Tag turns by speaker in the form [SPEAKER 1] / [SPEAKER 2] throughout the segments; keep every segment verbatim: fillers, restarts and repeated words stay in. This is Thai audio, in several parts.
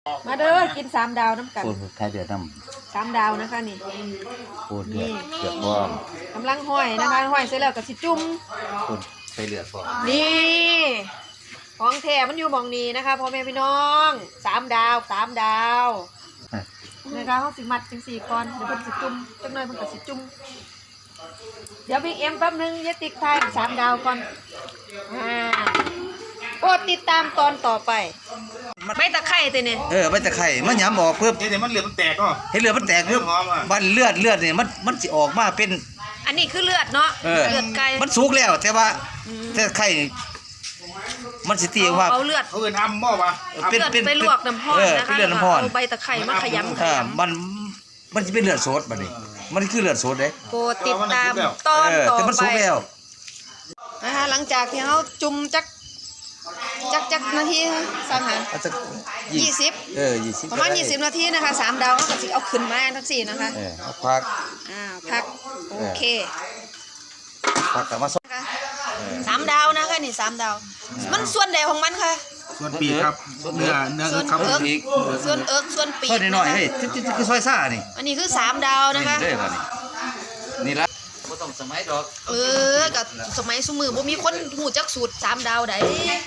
[SPEAKER 1] มาเด้อกินสามดาวน้ำกัน
[SPEAKER 2] ปูนไทยเดือดน้
[SPEAKER 1] สามดาวนะคะนี่
[SPEAKER 2] ำปูนเดือดเดือดพร้อม
[SPEAKER 1] กำลังห้อยนะคะห้อยเสร็จแล้วก็สิจุ่ม
[SPEAKER 2] ปูนไทยเดือดพร้อม
[SPEAKER 1] นี่ของแท้มันอยู่หมองนี้นะคะพ่อแม่พี่น้องสามดาวสามดาวนะคะเขาสิมัดจังสี่ก้อนเดี๋ยวเพิ่นสิจุ่มจังหน่อยเพิ่นก็สิจุ่มเดี๋ยวบิ๊กเอ็มแป๊บนึงอย่าติ๊กทายสามดาวก่อนอ่าโปรดติดตามตอนต่อไปไม่ตะไคร้ตัวเนี่ย
[SPEAKER 2] เออไม่ตะไคร่มันหยำออกเพิ่ม
[SPEAKER 3] เดี๋ยวมันเหลือมันแตกก็
[SPEAKER 2] ให้เลือดมันแตกเพิ่มมันเลือดเลือดเนี่ยมันมันสิออกมาเป็น
[SPEAKER 1] อันนี้คือเลือดเนาะ
[SPEAKER 2] เออ
[SPEAKER 1] เลือดไก่
[SPEAKER 2] มันสุกแล้วแต่ว่าแต่ไข่มันสิตีว่า
[SPEAKER 1] เอาเลือด
[SPEAKER 3] เขาเอิ้นอ้ำบ่ปะ
[SPEAKER 1] เอาเลือดไปลวกน้ำร้อน
[SPEAKER 2] เออ
[SPEAKER 1] นะคะ
[SPEAKER 2] เป็นเลือดน้ำร้อน
[SPEAKER 1] เอาใบตะไคร้มาขยำข
[SPEAKER 2] อ่าย มันมันจะเป็นเลือดสดบัดนี้มันคือเลือดสดเด้
[SPEAKER 1] ำโปรดติดตามตอน
[SPEAKER 2] เออ
[SPEAKER 1] ต่อ
[SPEAKER 2] แต่มัน
[SPEAKER 1] ไป
[SPEAKER 2] สุกแล้ว
[SPEAKER 1] นะคะหลังจากที่เขาจุ่มจักจักจักนาทีสังหาร
[SPEAKER 2] เอาสัก
[SPEAKER 1] ยี่สิบ
[SPEAKER 2] เออยี่สิบ
[SPEAKER 1] ประมาณยี่สิบนาทีนะคะสามดาวเขาก็สิเอาขึ้นมาทั้งสี่นะคะ
[SPEAKER 2] เออเอาพัก
[SPEAKER 1] อ่าพักโอเค
[SPEAKER 2] พักกลับมาสด
[SPEAKER 1] นะคะสามดาวนะคะนี่สามดาว มันส่วนใดของมันค่ะ
[SPEAKER 3] ส่วนปีกครับเนื้อเนื้อ
[SPEAKER 1] ส่วน
[SPEAKER 3] ครับ
[SPEAKER 1] เอิก
[SPEAKER 2] อีก
[SPEAKER 1] ส่วนเอิกส่วนปีก
[SPEAKER 2] ซอยน้อยๆ
[SPEAKER 1] นะคะ
[SPEAKER 2] เฮ้ยที่ที่คือซอยซ่านี่
[SPEAKER 1] อันนี้คือสามดาวนะคะ
[SPEAKER 2] นี่เด้อบัดนี้นี่ละบ่ต้องสมัยดอก
[SPEAKER 1] เออกับสมัยสมือบ่มีคนหูจักสูตรสามดาวใด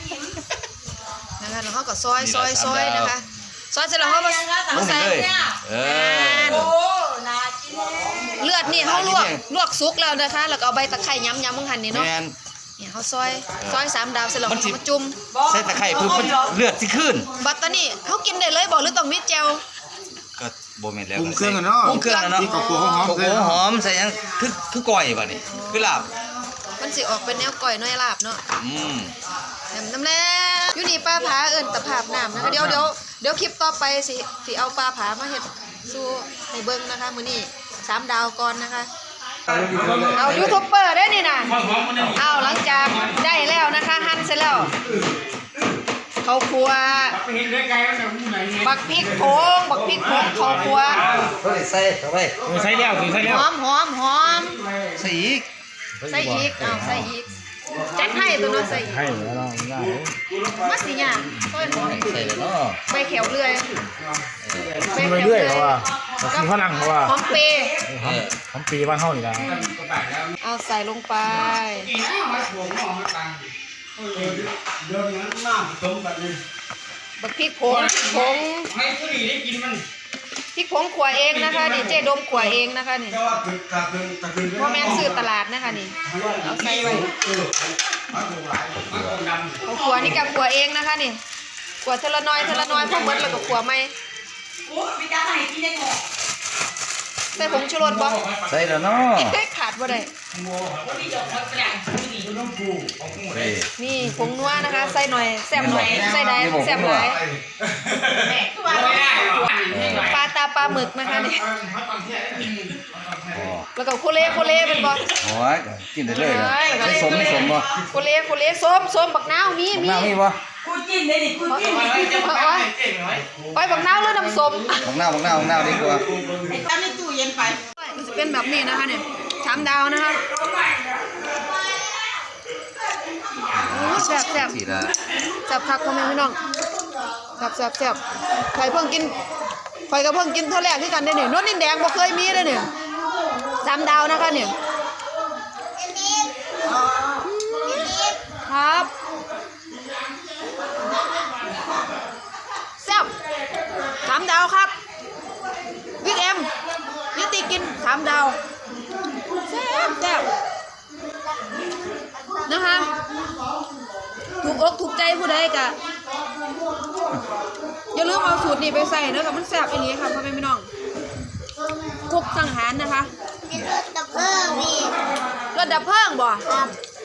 [SPEAKER 1] นะคะแล้วเขาก็ซอยซอยซอยนะคะซอยเสร็จแล้วเขามา
[SPEAKER 2] ล
[SPEAKER 1] มาง ใส่
[SPEAKER 2] เลยเออ
[SPEAKER 1] เลือดนี่เขาลวกลวกสุกแล้วนะคะ แล้วก็เอาใบตะไคร้ย้ำย้ำมังหันนี่เนาะ
[SPEAKER 2] แม่น
[SPEAKER 1] เนี่ยเขาซอยซอยสามดาวเสร็จแล้ว
[SPEAKER 2] มัน
[SPEAKER 1] เขา
[SPEAKER 2] สิ
[SPEAKER 1] มาจุ่ม
[SPEAKER 2] ใส่ตะไคร้เพิ่มมันเลือดสิขึ้น
[SPEAKER 1] บัตตานี่เขากินได้เลยบอกหรือต้องมีแจว
[SPEAKER 2] ก็บ่แม่นแล้ว
[SPEAKER 3] ปรุงเครื่องกันเนาะ
[SPEAKER 2] ปรุงเครื่องแล้วเนาะ
[SPEAKER 3] ที่กับหัวหอม
[SPEAKER 2] โอ้โหหอมใส่หยังคือคือก้อยบัดนี้คือลาบ
[SPEAKER 1] มันสิออกเป็นแนวก่อยน้อยลาบเนาะ
[SPEAKER 2] อืม
[SPEAKER 1] แหนมน้ำแน่อยู่นี่ป้าผาเอิญตะภาพน้ำนะคะเดี๋ยวเดี๋ยวเดี๋ยวคลิปต่อไปสิสิเอาปลาผามาเห็ดสู้ให้เบิ้งนะคะมื้อนี้สามดาวก่อนนะคะเอายูทูบเบอร์ได้นี่นะเอาหลังจากได้แล้วนะคะหั่นเสร็จแล้วข้าวคั่วบักพริกโผงบักพริกโผงข้าวคั่ว
[SPEAKER 2] เฮ้ยใส่เข้าไป
[SPEAKER 3] ใส่แล้วใส่แล้ว
[SPEAKER 1] หอมหอมหอม
[SPEAKER 2] ใส่อีก
[SPEAKER 1] ใส่อีกเอาใส่อีกจัดให้ตัวน้องใส่อีก
[SPEAKER 3] ให้แล้วเนาะง่าย
[SPEAKER 1] มัดสิเนี่ยต้นหอม
[SPEAKER 2] ใส่แล้วเนาะ
[SPEAKER 1] ใบเขียวเรื่อย
[SPEAKER 3] กินไปเรื่อยเพราะว่ากินฝรั่งเพราะว่า
[SPEAKER 1] หอมเปย์
[SPEAKER 3] หอมปีบ้านเฮานี่ล่ะ
[SPEAKER 1] เอาใส่ลงไปบักพริกผงพริกผงพริกผงขัวเองนะคะนี่เจ๊ดมขัวเองนะคะนี่พ่อแม่ซื้อตลาดนะคะนี่เอาใส่ไว้เอาขัวนี่กับขัวเองนะคะนี่ขัวเทละน้อยเทละน้อยพอหมดแล้วก็ขัวใหม่ใส่ผงชูรสบ่
[SPEAKER 2] ใส่แล้วเนาะ
[SPEAKER 1] ขาดบ่ได้
[SPEAKER 2] เฮ้ย
[SPEAKER 1] นี่ผงนัวนะคะใส่หน่อยแซ่บหน่อยใส่ได้แซ่บหลายปลาตาปลาหมึกนะคะนี่
[SPEAKER 2] อ๋อ
[SPEAKER 1] แล้วก็โคเล่โคเล่เป็นบ่
[SPEAKER 2] โอ้ยกินได้เลยนะใส่สมไม่สมบ่
[SPEAKER 1] โคเล่โคเล่ส้มส้มบักนาวมีมี
[SPEAKER 2] น้ำมีบ่
[SPEAKER 4] กูกินเลยดิกูกิน
[SPEAKER 1] ไปบักนาวหรือน้ำส้ม
[SPEAKER 2] บักนาวบักนาวบักนาวดีกว่า
[SPEAKER 4] ไอ้ตั้งในตู้เย็นไป
[SPEAKER 1] มันจะเป็นแบบนี้นะคะเนี่ยสามดาวนะคะโอ้แซ่บแซ่บ
[SPEAKER 2] สีละ
[SPEAKER 1] แซ่บคักพ่อแม่พี่น้องแซ่บแซ่บแซ่บใครเพิ่งกินใครก็เพิ่งกินเท่าแรกที่กันได้เนี่ยนวดนินแดงบ่เคยมีเลยเนี่ยสามดาวนะคะเนี่ยครับแซ่บสามดาวครับบิ๊กเอ็มยุติกินสามดาวแซ่บแซ่บนะคะถูกอกถูกใจผู้ใดกะอย่าลืมเอาสูตรนี้ไปใส่เนอะกับมันแซ่บอย่างนี้ค่ะพ่อแม่พี่น้องกุ๊กสังหารนะคะ
[SPEAKER 4] เป็นรถดับเพลิงพี่
[SPEAKER 1] รถดับเพลิงบ่
[SPEAKER 4] ครับ